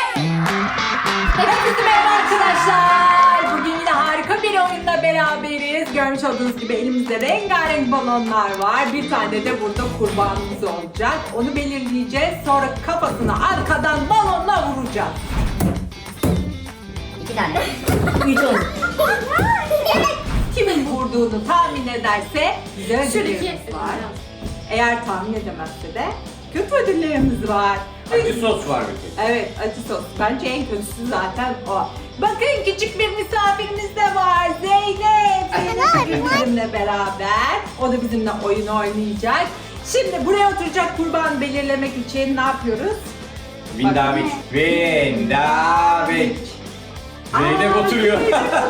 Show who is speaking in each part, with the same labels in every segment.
Speaker 1: Herkese merhaba arkadaşlar. Bugün yine harika bir oyunla beraberiz. Görmüş olduğunuz gibi elimizde rengarenk balonlar var. Bir tane de burada kurbanımız olacak. Onu belirleyeceğiz. Sonra kafasını arkadan balonla vuracağız.
Speaker 2: 2 tane.
Speaker 1: 3 olur. Kimin vurduğunu tahmin ederse bize ödüllerimiz var. Eğer tahmin edemezse de kötü ödüllerimiz var.
Speaker 3: Acı sos var bir tek.
Speaker 1: Evet, acı sos. Bence en kötüsü zaten o. Bakın küçük bir misafirimiz de var. Zeynep. Zeynep bugün bizimle beraber. O da bizimle oyun oynayacak. Şimdi buraya oturacak kurban belirlemek için ne yapıyoruz?
Speaker 3: Vindavik. Vindavik. Zeynep oturuyor.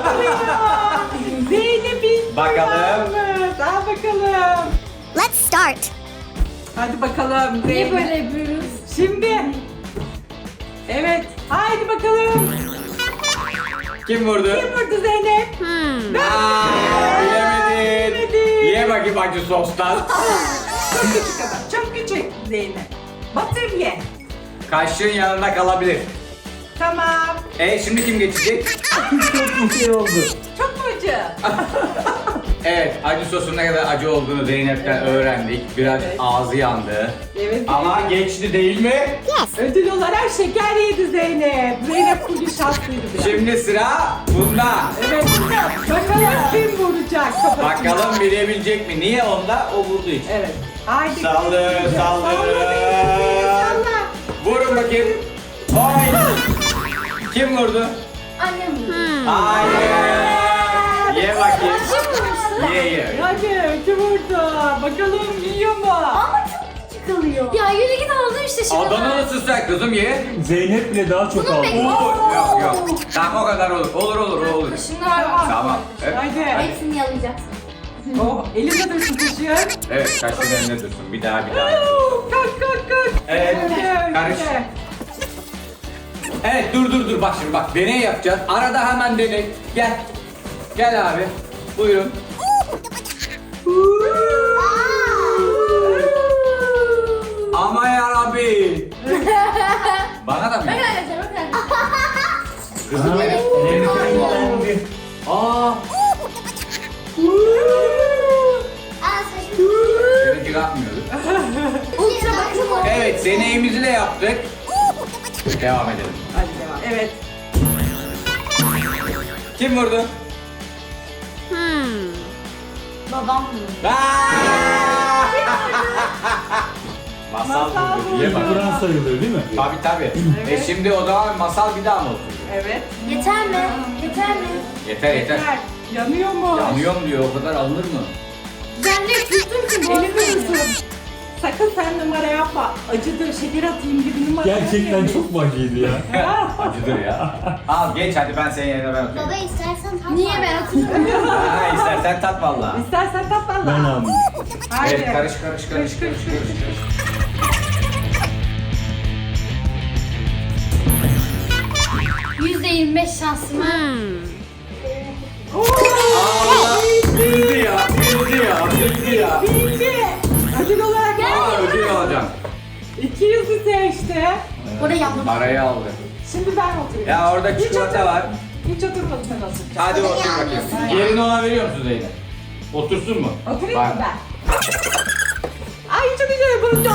Speaker 1: Zeynep'in
Speaker 3: Bakalım.
Speaker 1: kurbanımız. Al bakalım.
Speaker 2: Let's start.
Speaker 1: Hadi bakalım Zeynep.
Speaker 4: Niye böyle yapıyoruz?
Speaker 1: Şimdi. Evet. Haydi bakalım.
Speaker 3: Kim vurdu?
Speaker 1: Kim vurdu Zeynep?
Speaker 3: Aa, bilemedin.
Speaker 1: Bilemedin.
Speaker 3: Ye bakayım acı sostan.
Speaker 1: Çok küçük adam. Çok küçük Zeynep. Batır ye.
Speaker 3: Kaşığın yanında kalabilir.
Speaker 1: Tamam.
Speaker 3: Şimdi kim geçecek? Çok şey oldu.
Speaker 1: Çok mu acı?
Speaker 3: Evet, acı sosun ne kadar acı olduğunu Zeynep'ten öğrendik. Biraz
Speaker 1: Evet.
Speaker 3: ağzı yandı.
Speaker 1: Evet.
Speaker 3: Ama
Speaker 1: Zeynep.
Speaker 3: geçti değil mi?
Speaker 1: Ödül olarak şeker yedi Zeynep. Zeynep bugün şanslıydı biraz.
Speaker 3: Şimdi sıra bunda.
Speaker 1: Evet. Bakalım kim vuracak kafasına.
Speaker 3: Bakalım bilebilecek mi? Niye onda? O vurduğu için.
Speaker 1: Evet. Haydi.
Speaker 3: Saldır, saldır.
Speaker 1: Salla.
Speaker 3: Vurun bakayım. Oy. Kim vurdu?
Speaker 4: Annem vurdu.
Speaker 3: Hayır. Ye bakayım.
Speaker 4: Kim vurmuştu?
Speaker 3: Ye.
Speaker 1: Hadi kim vurdu? Bakalım yiyor mu?
Speaker 4: Ama çok küçük kalıyor. Ya yürü git aldın işte şimdi.
Speaker 3: Adanalısın sen kızım ye.
Speaker 5: Zeynep bile daha çok
Speaker 4: Bunu
Speaker 5: aldı.
Speaker 4: bekle.
Speaker 3: Yok yok. Tamam o kadar olur. Olur.
Speaker 4: Şunlar var.
Speaker 3: Tamam. Evet.
Speaker 1: Haydi.
Speaker 4: Hepsini yalayacaksın.
Speaker 1: Oh, elimde dursun taşıyor.
Speaker 3: Evet kaşın önüne dursun. Bir daha.
Speaker 1: Kalk.
Speaker 3: Evet.
Speaker 1: Hadi,
Speaker 3: Karış.
Speaker 1: hadi.
Speaker 3: Evet dur bak şimdi bak deney yapacağız. Arada hemen deney. Gel. Gel abi. Buyurun. Ama yarabbi. Bana da mı?
Speaker 4: Bakın arkadaşlar bakın.
Speaker 3: Kızım benim. Aa.
Speaker 4: Aa saçım.
Speaker 3: Seninki kalkmıyordu.
Speaker 4: Ultra bakım.
Speaker 3: Evet deneyimizi de yaptık. Devam edelim.
Speaker 1: Hadi devam. Evet.
Speaker 3: Kim vurdu?
Speaker 4: Babam vurdu.
Speaker 3: Masal
Speaker 1: Masal
Speaker 3: vurdu. Ye bak.
Speaker 5: Kur'an sayılıyor değil mi?
Speaker 3: Tabii.
Speaker 1: Evet.
Speaker 3: Şimdi o zaman masal bir daha mı oturuyor?
Speaker 1: Evet.
Speaker 4: Yeter mi? Yeter mi?
Speaker 3: Yeter.
Speaker 1: Yeter. Yanıyor mu?
Speaker 3: Yanıyorum diyor o kadar alınır mı?
Speaker 4: Ben de tuttum ki
Speaker 1: Elini tutun. Sakın sen numara yapma. Acıdır, şeker atayım gibi numara
Speaker 5: Gerçekten
Speaker 1: yapmayın.
Speaker 5: çok mu acıydı ya?
Speaker 3: Acıdır ya. Al geç hadi ben senin yerine ben oturayım.
Speaker 2: Baba istersen tat.
Speaker 4: Niye ben atayım?
Speaker 3: Ha istersen tat valla.
Speaker 1: İstersen tat valla.
Speaker 5: Ben aldım.
Speaker 1: Haydi.
Speaker 3: Evet karış.
Speaker 4: %25 şansım var.
Speaker 3: Allah bildi ya.
Speaker 1: Bildi. Ödül olarak
Speaker 3: Aa ödül alacağım.
Speaker 1: 200'ü seçti.
Speaker 4: Orada yapmadım.
Speaker 3: Parayı aldı.
Speaker 1: Şimdi ben oturuyorum.
Speaker 3: Ya orada çikolata var.
Speaker 1: Hiç oturmadım, sen oturacaksın.
Speaker 3: Hadi otur bakayım. Yerini ona veriyor musun Zeynep? Otursun mu?
Speaker 1: Oturayım
Speaker 3: Bak.
Speaker 1: mı ben? Ay çok güzel bunu.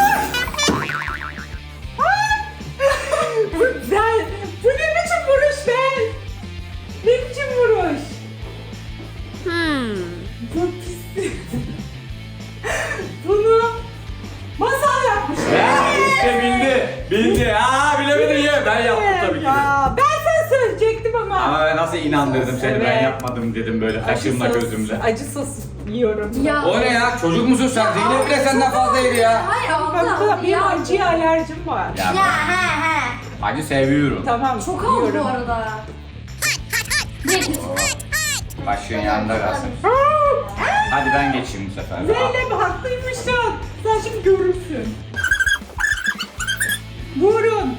Speaker 1: Bu güzel. Bu ne biçim vuruş be? Ne biçim vuruş? Çok pis. Bunu masal yapmış.
Speaker 3: Ya işte bildi. Aa bilemedin ya. Ben yaptım tabii ki de.
Speaker 1: Ya, ben sana söyleyecektim ama.
Speaker 3: Ama ben nasıl inandırdım seni ben
Speaker 1: Evet.
Speaker 3: yapmadım dedim böyle kaşımla
Speaker 1: Acı sos-
Speaker 3: gözümle.
Speaker 1: Acı sos yiyorum.
Speaker 4: Ya.
Speaker 3: O ne ya? Çocuk musun sen? Zeynep bile senden fazla yedi ya.
Speaker 4: Hayır
Speaker 1: Bak
Speaker 4: abla.
Speaker 1: benim acıya alerjim var.
Speaker 3: Ya
Speaker 4: Ya he.
Speaker 3: acı seviyorum.
Speaker 1: Tamam.
Speaker 4: Çok oldu bu
Speaker 1: yiyorum.
Speaker 4: arada. Ne?
Speaker 3: Başın yanında kalsın. Hadi ben geçeyim bu sefer.
Speaker 1: Zeynep haklıymışsın. Sen şimdi görürsün. Vurun.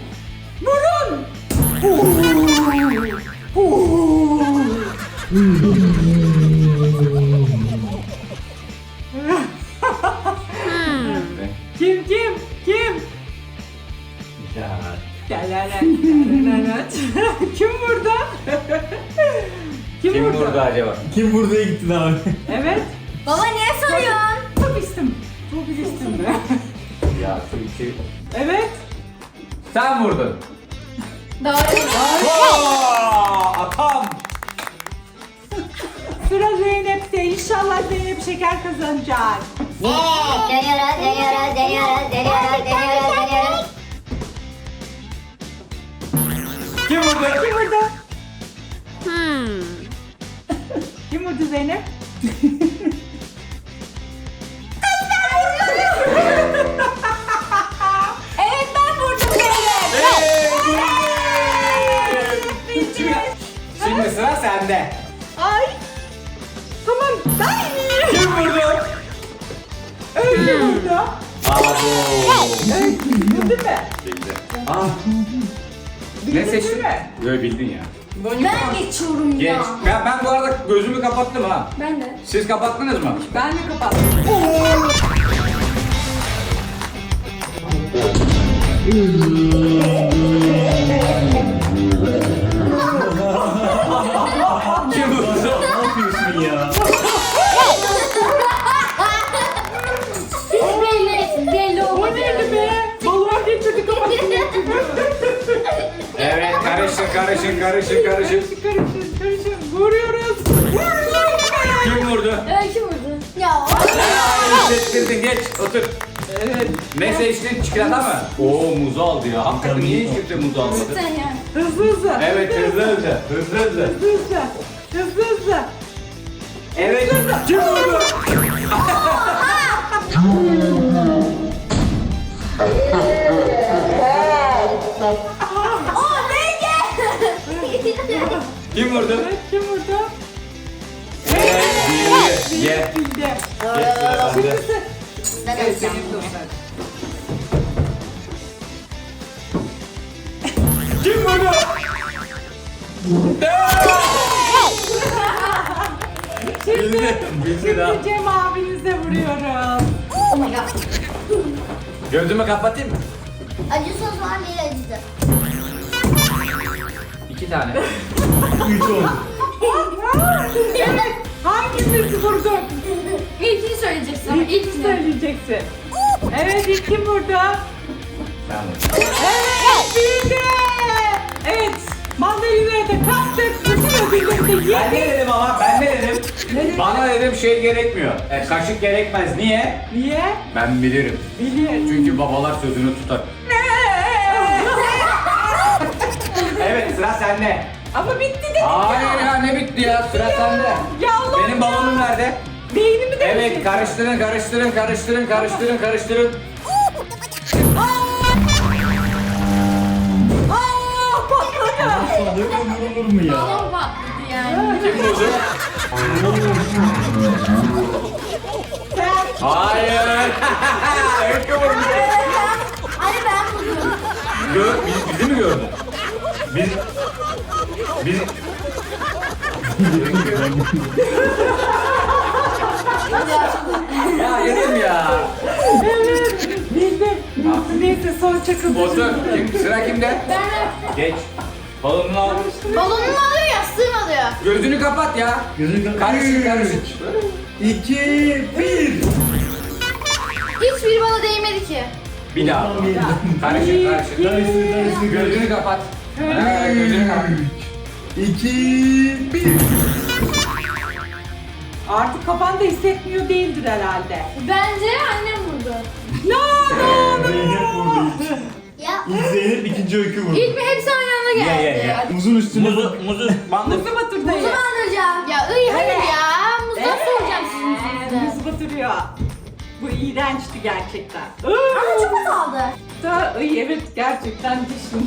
Speaker 1: Kim?
Speaker 3: Ya
Speaker 1: Kim vurdu?
Speaker 3: Kim vurdu acaba?
Speaker 5: Kim buraya gittin abi?
Speaker 1: Evet.
Speaker 4: Baba niye soruyorsun?
Speaker 1: Çok istim. Çok istim de.
Speaker 3: Ya çünkü.
Speaker 1: Evet.
Speaker 3: Sen vurdun.
Speaker 4: Doğru.
Speaker 3: Atam.
Speaker 1: Sıra Zeynep'te. İnşallah Zeynep şeker kazanacak.
Speaker 2: Deniyoruz.
Speaker 3: Kim vurdu?
Speaker 1: Kim vurdu? Kim vurdu Zeynep?
Speaker 4: Evet ben vurdum Zeynep.
Speaker 3: Şimdi sıra sende.
Speaker 1: Ay. Tamam. Ay.
Speaker 3: Kim vurdu?
Speaker 1: Öyle vurdu.
Speaker 3: Abo.
Speaker 1: Bildin mi?
Speaker 3: Bildi. Aa. Ne
Speaker 1: Bildin
Speaker 3: seçtin?
Speaker 1: değil mi?
Speaker 3: Böyle bildin ya.
Speaker 4: Ben geçiyorum
Speaker 3: Geç.
Speaker 4: ya.
Speaker 3: Ben bu arada gözümü kapattım ha.
Speaker 4: Ben de.
Speaker 3: Siz kapattınız mı?
Speaker 1: Ben de kapattım.
Speaker 3: Kim vurdu?
Speaker 5: Ne yapıyorsun ya?
Speaker 4: Belli
Speaker 1: O
Speaker 4: olmadı.
Speaker 1: neydi be? Balon getirdik ama.
Speaker 3: Evet, karışın.
Speaker 1: Karışın karışın. Vuruyoruz.
Speaker 3: Kim vurdu?
Speaker 4: Öykü vurdu. Ya.
Speaker 3: Hissettirdin, geç, otur.
Speaker 1: Evet.
Speaker 3: Ne seçtin? Çikolata mı? Oo, muzu aldı ya. Hakikaten niye hiç kimse muzu almadı?
Speaker 4: Sen ya.
Speaker 1: Hızlı.
Speaker 3: Evet, hızlı.
Speaker 1: Hızlı.
Speaker 3: Evet, kim vurdu?
Speaker 4: O neydi?
Speaker 3: Kim vurdu?
Speaker 1: Kim vurdu?
Speaker 3: Bildi. Ye.
Speaker 1: Bildi.
Speaker 3: Geç sıra sende.
Speaker 4: Ben
Speaker 1: Evet,
Speaker 4: öleceğim.
Speaker 1: senin dostlar.
Speaker 3: Kim vurdu? Bildi daha.
Speaker 1: Şimdi Cem abinize vuruyoruz.
Speaker 4: Oh my god.
Speaker 3: Gözümü kapatayım mı?
Speaker 4: Acı sos var mı? Acıdı.
Speaker 3: 2 tane.
Speaker 5: 3 oldu.
Speaker 1: Hangimiz vurdu?
Speaker 4: İlkini söyleyeceksin ama
Speaker 1: İlk
Speaker 4: ilkini.
Speaker 1: söyleyeceksin. Evet, ilk kim vurdu?
Speaker 3: Sen vurdun.
Speaker 1: Evet, bildi. Evet, mandalina'ya da kastık. Bütün ödülleri de
Speaker 3: Ben ne
Speaker 1: yedik.
Speaker 3: dedim ama? Ben ne dedim?
Speaker 1: Ne dedin?
Speaker 3: Bana dedim şey gerekmiyor. Kaşık gerekmez. Niye?
Speaker 1: Niye?
Speaker 3: Ben bilirim.
Speaker 1: Biliyorum.
Speaker 3: Çünkü babalar sözünü tutar. Evet, sıra sende.
Speaker 1: Ama bitti dedik
Speaker 3: Hayır ya, ne bitti ya? Sıra sende.
Speaker 1: Ya Allah
Speaker 3: Benim balonum nerede?
Speaker 1: Beynimi de
Speaker 3: Evet,
Speaker 1: bitirdi.
Speaker 3: karıştırın.
Speaker 1: Patladı.
Speaker 5: Sandık olur mu ya?
Speaker 4: Balon patladı yani.
Speaker 3: Kim vurdu?
Speaker 1: Sen
Speaker 3: Hayır. Öykü vurdu.
Speaker 4: Hani ben vurdum.
Speaker 3: Bizi mi gördün? Biz... Ya yedim ya.
Speaker 1: evet bildim. Neyse son çakıldı.
Speaker 3: Otur. Sıra kimde?
Speaker 4: Ben
Speaker 3: Geç. Balonunu al.
Speaker 4: balonunu alıyor yastığını alıyor.
Speaker 3: Gözünü kapat ya.
Speaker 5: Gözünü kapat.
Speaker 3: Karışın.
Speaker 5: 2, 1.
Speaker 4: Hiçbir bana değmedi ki.
Speaker 3: Bir daha. Karışın.
Speaker 5: Karıştır.
Speaker 3: Gözünü kapat. Ha, gözünü kapat.
Speaker 5: 2, 1.
Speaker 1: Artık kafan da hissetmiyor değildir herhalde.
Speaker 4: Bence annem vurdu.
Speaker 5: Zeynep vurdu ilk.
Speaker 4: Ya.
Speaker 5: İlk Zeynep, ikinci Öykü vurdu.
Speaker 4: İlk mi hepsi aynı anda geldi.
Speaker 5: Muzun üstüne
Speaker 3: Muzu bandır.
Speaker 1: Muzu batırdı.
Speaker 4: Muzu mu alacağım? Ya hayır ya. Muzdan soracağım sizin yüzünüzden.
Speaker 1: Muz batırıyor. Bu iğrençti gerçekten.
Speaker 4: Ama çok az aldı.
Speaker 1: Evet gerçekten dişim.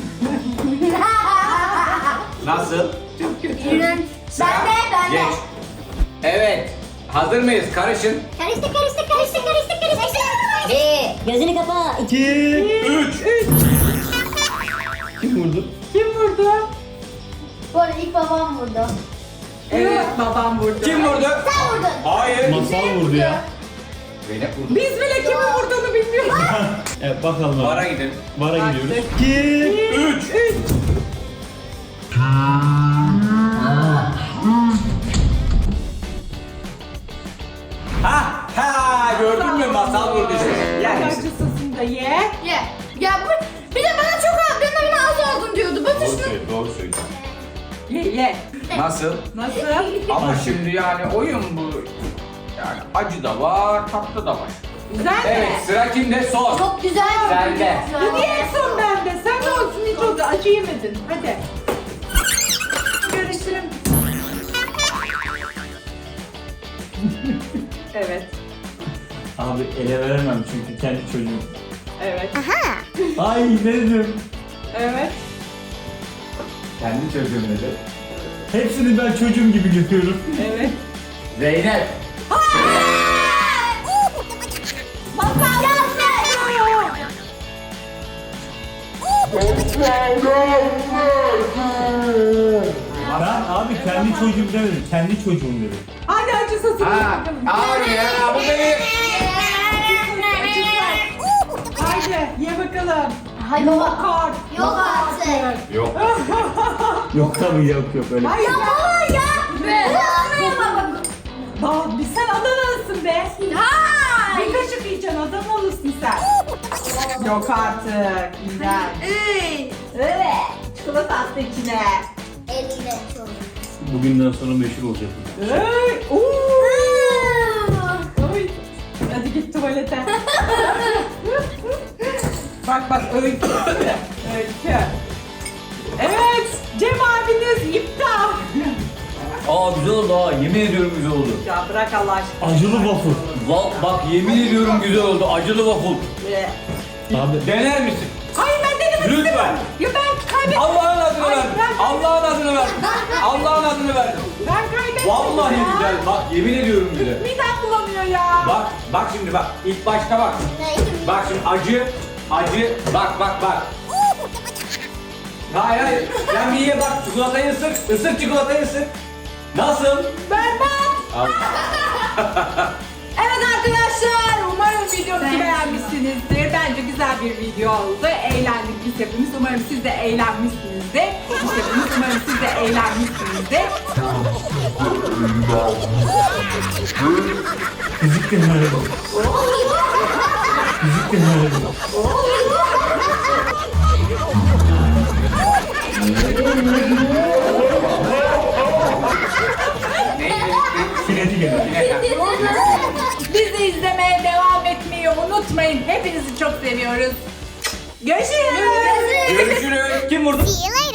Speaker 3: Nasıl?
Speaker 1: Çok kötü.
Speaker 4: İğrenç. Ben de.
Speaker 3: Geç. Evet. Hazır mıyız? Karışın.
Speaker 2: Karıştı. Gözünü kapa.
Speaker 5: 2, 3. Kim vurdu?
Speaker 1: Kim vurdu?
Speaker 4: Bu arada ilk babam vurdu.
Speaker 1: Evet babam vurdu.
Speaker 3: Kim vurdu?
Speaker 4: Sen vurdun.
Speaker 3: Hayır.
Speaker 5: Masal vurdu ya.
Speaker 3: Zeynep vurdu.
Speaker 1: Biz bile kimin vurduğunu bilmiyoruz.
Speaker 5: Evet bakalım abi.
Speaker 3: Vara gidelim.
Speaker 5: Vara gidiyoruz.
Speaker 1: Artık.
Speaker 5: 2
Speaker 3: 3. Ha gördün mü masal vurdu işte.
Speaker 1: Yer
Speaker 3: Yani
Speaker 1: acı sosunu da ye.
Speaker 4: Ye. Ya bir de bana çok az, benim az oldun diyordu. Batır
Speaker 3: doğru
Speaker 4: şunu.
Speaker 3: söyle, doğru söyle.
Speaker 1: Ye.
Speaker 3: Nasıl?
Speaker 1: Nasıl?
Speaker 3: Ama şimdi yani oyun bu. Yani acı da var, tatlı da var.
Speaker 1: Güzel mi?
Speaker 3: Evet, sıra kimde? Sor.
Speaker 4: Çok güzel.
Speaker 3: Sen de.
Speaker 1: Niye en son bende? Sen de olsun hiç oldu. Acı yemedin. Hadi. Görüşürüm. Evet.
Speaker 5: Abi ele veremem çünkü kendi çocuğum.
Speaker 1: Evet.
Speaker 5: Ay ne dedim?
Speaker 1: Evet.
Speaker 3: Kendi çocuğum dedi.
Speaker 5: Hepsini ben çocuğum gibi görüyorum.
Speaker 1: Evet.
Speaker 3: Zeynep.
Speaker 5: Ben abi kendi çocuğum demedim. Kendi çocuğum dedim.
Speaker 1: Hadi acı sosunu ye
Speaker 3: Ha,
Speaker 1: bakalım.
Speaker 3: abi ya bu beni.
Speaker 1: Haydi ye bakalım.
Speaker 4: Hayır.
Speaker 1: Yok artık.
Speaker 4: Yok artık.
Speaker 3: Yok.
Speaker 5: Yok tabii yok öyle.
Speaker 1: Hayır ya.
Speaker 4: Be.
Speaker 1: Daha bir sen Adanalısın be.
Speaker 4: Hayır.
Speaker 1: Bir kaşık yiyeceksin Adanalısın sen. Yok artık. Güzel. Evet. Çikolata attı içine.
Speaker 2: Elle çok.
Speaker 5: Bugünden sonra meşhur olacak.
Speaker 1: Hey. Oy. Hadi git tuvalete. bak öykü. Öykü. Evet. Cem abiniz iptal.
Speaker 3: Aa güzel oldu ha. Yemin ediyorum güzel oldu.
Speaker 1: Ya bırak Allah aşkına.
Speaker 5: Acılı waffle.
Speaker 3: Bak yemin ediyorum güzel oldu. Acılı waffle.
Speaker 1: Ye.
Speaker 5: Abi
Speaker 3: Dener misin?
Speaker 1: Hayır ben denemek
Speaker 3: Lütfen.
Speaker 1: istemiyorum. Ya ben kaybettim.
Speaker 3: Allah'ın adını
Speaker 1: Hayır,
Speaker 3: verdim.
Speaker 1: ben-
Speaker 3: Allah'ın adını verdim. Allah'ın adını verdim.
Speaker 1: Ben kaybettim.
Speaker 3: Vallahi
Speaker 1: ya.
Speaker 3: güzel. Bak yemin ediyorum güzel.
Speaker 1: Midem bulanıyor ya.
Speaker 3: Bak şimdi bak. İlk başta bak. Bak şimdi acı. Bak. Hayır. Sen bir ye bak. Çikolatayı ısır. Isır çikolatayı ısır. Nasıl?
Speaker 1: Berbat.
Speaker 3: Al.
Speaker 1: Evet arkadaşlar, umarım videomuzu beğenmişsinizdir. Bence güzel bir video oldu. Eğlendik biz hepimiz. Umarım siz de eğlenmişsinizdir. Biz hepimiz umarım siz de eğlenmişsinizdir.
Speaker 5: fizik de nerede? Fizik de nerede? Kinetik enerji.
Speaker 1: Bizi izlemeye devam etmeyi unutmayın. Hepinizi çok seviyoruz. Görüşürüz.
Speaker 3: Görüşürüz. Kim vurdu?
Speaker 2: See you later.